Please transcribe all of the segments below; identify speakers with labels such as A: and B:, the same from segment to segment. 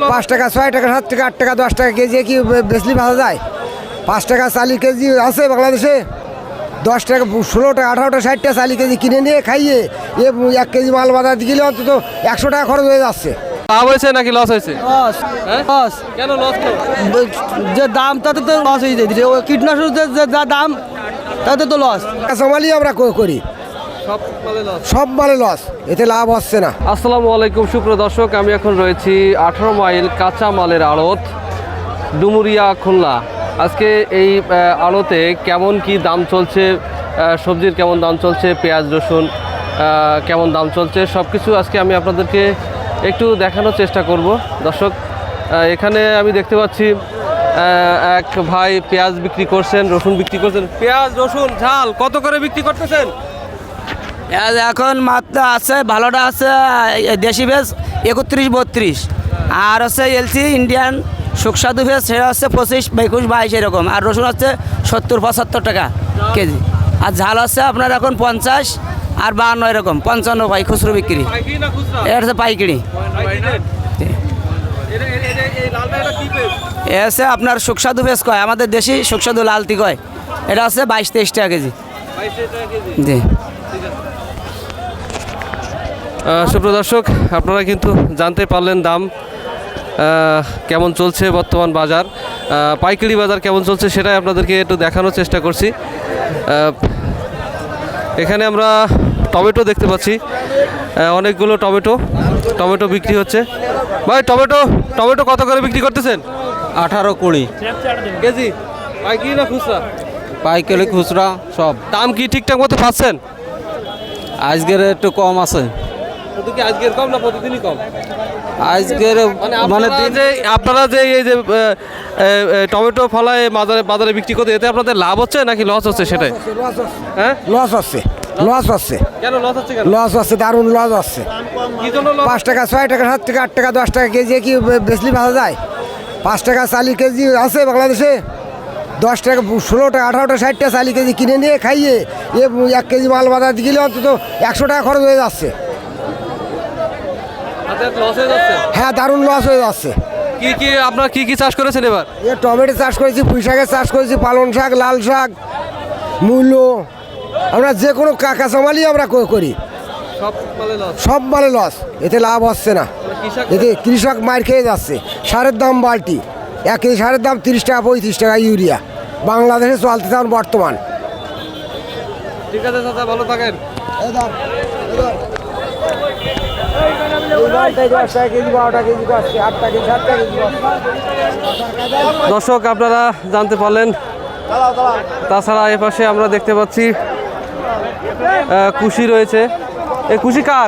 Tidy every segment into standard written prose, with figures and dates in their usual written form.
A: 5 টাকা 6 টাকা 7 টাকা 8 টাকা 10 টাকা কেজি কি বেচলি ভাজা যায়? 5 টাকা 40 কেজি আছে বাংলাদেশে, 10 টাকা 16 টাকা 18 টাকা 60 টাকা 40 কেজি কিনে নিয়ে খাইয়ে 1 কেজি মাল বাজার গেলে অন্তত 100 টাকা খরচ হয়ে যাচ্ছে।
B: লাভ হয়েছে নাকি লস হয়েছে?
C: লস লস
B: কেন লস?
C: যে দাম তাতে তো লস হয়ে যাচ্ছে, ওই কীটনাশকের যে যা দাম তাতে তো লস।
A: কাঁচামালই আমরা করি, সব মালে লস, এতে লাভ হচ্ছে না।
B: আসসালামু আলাইকুম সুপ্রিয় দর্শক, আমি এখন রয়েছি 18 মাইল কাঁচা মালের আড়ত ডুমুরিয়া খুলনা। আজকে এই আড়তে কেমন কি দাম চলছে, সবজির কেমন দাম চলছে, পেঁয়াজ রসুন কেমন দাম চলছে, সব কিছু আজকে আমি আপনাদেরকে একটু দেখানোর চেষ্টা করব। দর্শক, এখানে আমি দেখতে পাচ্ছি এক ভাই পেঁয়াজ বিক্রি করছেন, রসুন বিক্রি করছেন। পেঁয়াজ রসুন ঝাল কত করে বিক্রি করতেছেন?
C: এখন মাত্রা আছে, ভালোটা আছে দেশি ভেজ 31-32, আর হচ্ছে এলসি ইন্ডিয়ান সুস্বাদু ভেজ সেটা হচ্ছে 25-21-22 এরকম, আর রসুন হচ্ছে 70-75 টাকা কেজি, আর ঝাল হচ্ছে আপনার এখন 50 আর 52 এরকম, 55 ভাই খুচরো বিক্রি। এটা হচ্ছে পাইকারি। এ হচ্ছে আপনার সুস্বাদু ভেজ কয়, আমাদের দেশি সুস্বাদু লালতি কয়, এটা হচ্ছে 22-23 টাকা কেজি। জি
B: সুপ্রিয় দর্শক, আপনারা কিন্তু জানতে পারলেন দাম কেমন চলছে, বর্তমান বাজার পাইকারি বাজার কেমন চলছে সেটাই আপনাদেরকে একটু দেখানোর চেষ্টা করছি। এখানে আমরা টমেটো দেখতে পাচ্ছি, অনেকগুলো টমেটো বিক্রি হচ্ছে। ভাই টমেটো কত করে বিক্রি করতেছেন?
D: 18-20
B: কেজি। পাইকারি না খুচরা?
D: পাইকারি খুচরা সব।
B: দাম কি ঠিকঠাক মতো পাচ্ছেন?
D: আজকের একটু কম আছে।
B: আজকের কম না প্রতিদিনই কম?
D: আজকের
B: মানে আপনারা যে এই যে টমেটো ফলায় বাজারে বিক্রি করতে, এতে আপনাদের লাভ হচ্ছে নাকি লস হচ্ছে সেটাই? হ্যাঁ,
A: লস হচ্ছে, লস হচ্ছে।
B: কেন লস হচ্ছে? কেন
A: লস হচ্ছে? দারুণ লস হচ্ছে।
B: কি জন্য লস?
A: 5 টাকা 6 টাকা 7 টাকা 8 টাকা 10 টাকা কেজি কি বেচলি ভাজা যায়? 5 টাকা 40 কেজি আছে বাংলাদেশে, 10 টাকা 16 টাকা 18 টাকা 60 টাকা 40 কেজি কিনে নিয়ে খাইয়ে 1 কেজি মাল বাজার গেলে অন্তত 100 টাকা খরচ হয়ে যাচ্ছে।
B: লস হয়ে যাচ্ছে?
A: হ্যাঁ, দারুণ লস হয়ে যাচ্ছে।
B: আপনারা কি চাষ করেছেন এবার?
A: টমেটো চাষ করেছি, পুঁই শাকের চাষ করেছি, পালং শাক, লাল শাক, মূলো, আমরা যে কোনো কাঁচামালই আমরা করি, সব মালে লস, এতে লাভ হচ্ছে না। এতে কৃষক মার খেয়ে যাচ্ছে। সারের দাম বালতি, 1 কেজি সারের দাম 30 টাকা 35 টাকা ইউরিয়া বাংলাদেশে চলতে থাকুন বর্তমান।
B: ঠিক আছে চাচা, ভালো থাকেন। দর্শক, আপনারা জানতে পারলেন। তাছাড়া এ পাশে আমরা দেখতে পাচ্ছি কুশি রয়েছে। এই কুশি কার?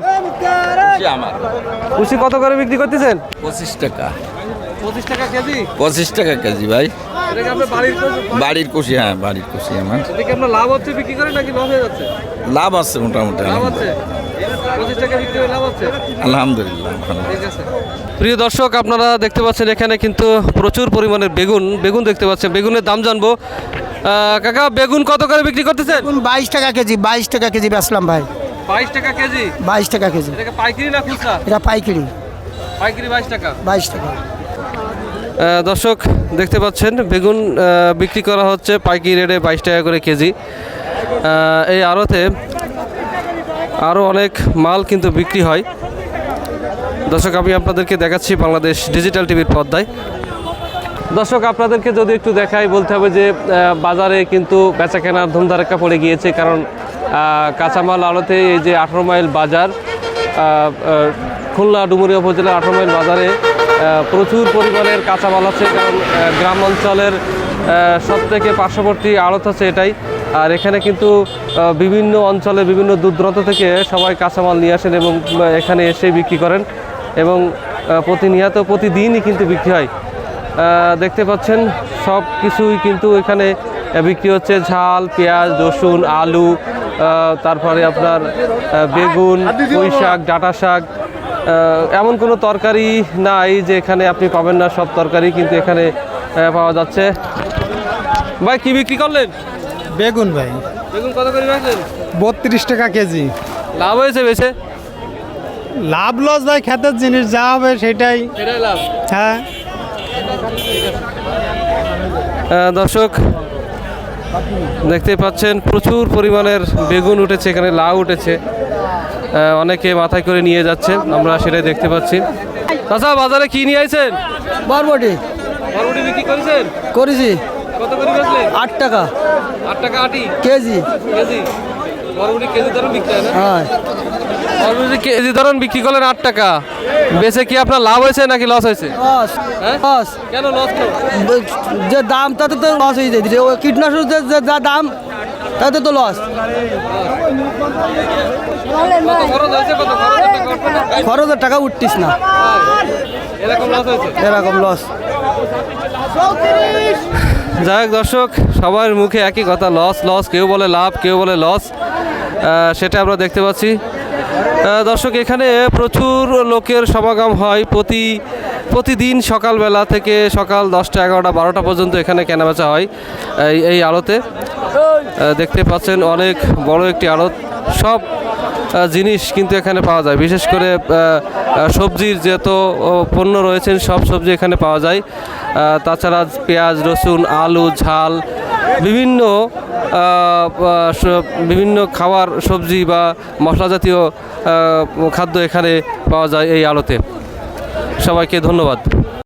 B: কুশি কত করে বিক্রি করতেছেন?
D: 25 টাকা।
B: 25 টাকা কেজি?
D: 25 টাকা কেজি ভাই।
B: এটা কি আপনার
D: বাড়ির কুশি? হ্যাঁ, বাড়ির কুশি আমার।
B: এটা কি আপনার লাভ হচ্ছে বিক্রি করে নাকি লস হয়ে যাচ্ছে?
D: লাভ আছে মোটামুটি।
B: লাভ হচ্ছে? 25 টাকা বিক্রি করে লাভ হচ্ছে?
D: আলহামদুলিল্লাহ।
B: ঠিক আছে। প্রিয় দর্শক, আপনারা দেখতে পাচ্ছেন এখানে কিন্তু প্রচুর পরিমাণের বেগুন দেখতে পাচ্ছেন। বেগুনের দাম জানবো। কাকা, বেগুন কত করে বিক্রি করতেছেন?
C: 22 টাকা কেজি, 22 টাকা কেজি বেচলাম ভাই।
B: 22 টাকা কেজি?
C: 22 টাকা কেজি।
B: এটা পাইকারি না খুচরা?
C: এটা পাইকারি।
B: পাইকারি 22 টাকা।
C: 22 টাকা।
B: দর্শক, দেখতে পাচ্ছেন বেগুন বিক্রি করা হচ্ছে পাইকারি রেটে 22 টাকা করে কেজি। এই আড়তে আরও অনেক মাল কিন্তু বিক্রি হয়। দর্শক, আমি আপনাদেরকে দেখাচ্ছি বাংলাদেশ ডিজিটাল টিভির পর্দায়। দর্শক, আপনাদেরকে যদি একটু দেখাই, বলতে হবে যে বাজারে কিন্তু বেচা কেনার ধুমধারাক্কা পড়ে গিয়েছে। কারণ কাঁচামাল আড়তে এই যে 18 মাইল বাজার, খুলনা ডুমুরিয়া উপজেলার 18 মাইল বাজারে প্রচুর পরিমাণের কাঁচামাল আছে। কারণ গ্রাম অঞ্চলের সবথেকে পার্শ্ববর্তী আড়ত আছে এটাই। আর এখানে কিন্তু বিভিন্ন অঞ্চলে বিভিন্ন দূর দূরান্ত থেকে সবাই কাঁচামাল নিয়ে আসেন এবং এখানে এসে বিক্রি করেন, এবং প্রতিদিনই কিন্তু বিক্রি হয়। দেখতে পাচ্ছেন সব কিছুই কিন্তু এখানে বিক্রি হচ্ছে। ঝাল, পেঁয়াজ, রসুন, আলু, তারপরে আপনার বেগুন, পুঁই শাক, ডাঁটা শাক, এমন কোনো তরকারি নাই যে এখানে আপনি পাবেন না। সব তরকারি কিন্তু এখানে পাওয়া যাচ্ছে। ভাই, কি বিক্রি করলেন?
E: বেগুন ভাই।
B: বেগুন কত করে রাখলেন?
E: 32 টাকা কেজি।
B: লাভ হয়েছে বেশি?
E: লাভ লস ভাই ক্ষেতের জিনিস যা হবে সেটাই।
B: এটাই লাভ।
E: হ্যাঁ
B: দর্শক দেখতেই পাচ্ছেন প্রচুর পরিমাণের বেগুন উঠেছে, এখানে লাউ উঠেছে, অনেকে মাথায় করে নিয়ে যাচ্ছে, আমরা সেটাই দেখতে পাচ্ছি। আচ্ছা, বাজারে কি নিয়ে আইছেন?
A: বরবটি
B: বরবটি বিক্রি করেছেন?
A: করেছি
B: কত করে বেচলেন?
A: 8 টাকা
B: 8 টাকা আটি
A: কেজি।
B: কেজি? বরবটি কেজি দরে বিক্রি হয় না?
A: হ্যাঁ
B: বরবটি কেজি ধরুন বিক্রি করলেন 8 টাকা, বেচে কি আপনার লাভ হয়েছে নাকি লস হয়েছে?
A: লস
B: হ্যাঁ?
A: লস।
B: কেন লস?
A: যে দাম তাতে তো লস হয়ে যায়, ওই কীটনাশক যে যা দাম তাতে তো লস।
B: কত খরচ হয়েছে? কত খরচ?
A: খরচের টাকা উঠতিস না,
B: এরকম লস হয়েছে?
A: এরকম লস।
B: যাই হোক দর্শক, সবার মুখে একই কথা, লস লস, কেউ বলে লাভ, কেউ বলে লস, সেটা আমরা দেখতে পাচ্ছি। দর্শক, এখানে প্রচুর লোকের সমাগম হয় প্রতিদিন সকালবেলা থেকে সকাল 10টা 11টা 12টা পর্যন্ত এখানে কেনাবেচা হয় এই আড়তে। দেখতে পাচ্ছেন অনেক বড় একটি আড়ত, সব জিনিস কিন্তু এখানে পাওয়া যায়, বিশেষ করে সবজির যত পণ্য রয়েছেন সব সবজি এখানে পাওয়া যায়। তাছাড়া পেঁয়াজ, রসুন, আলু, ঝাল, বিভিন্ন খাবার, সবজি বা মশলা জাতীয় খাদ্য এখানে পাওয়া যায় এই আড়তে। সবাইকে ধন্যবাদ।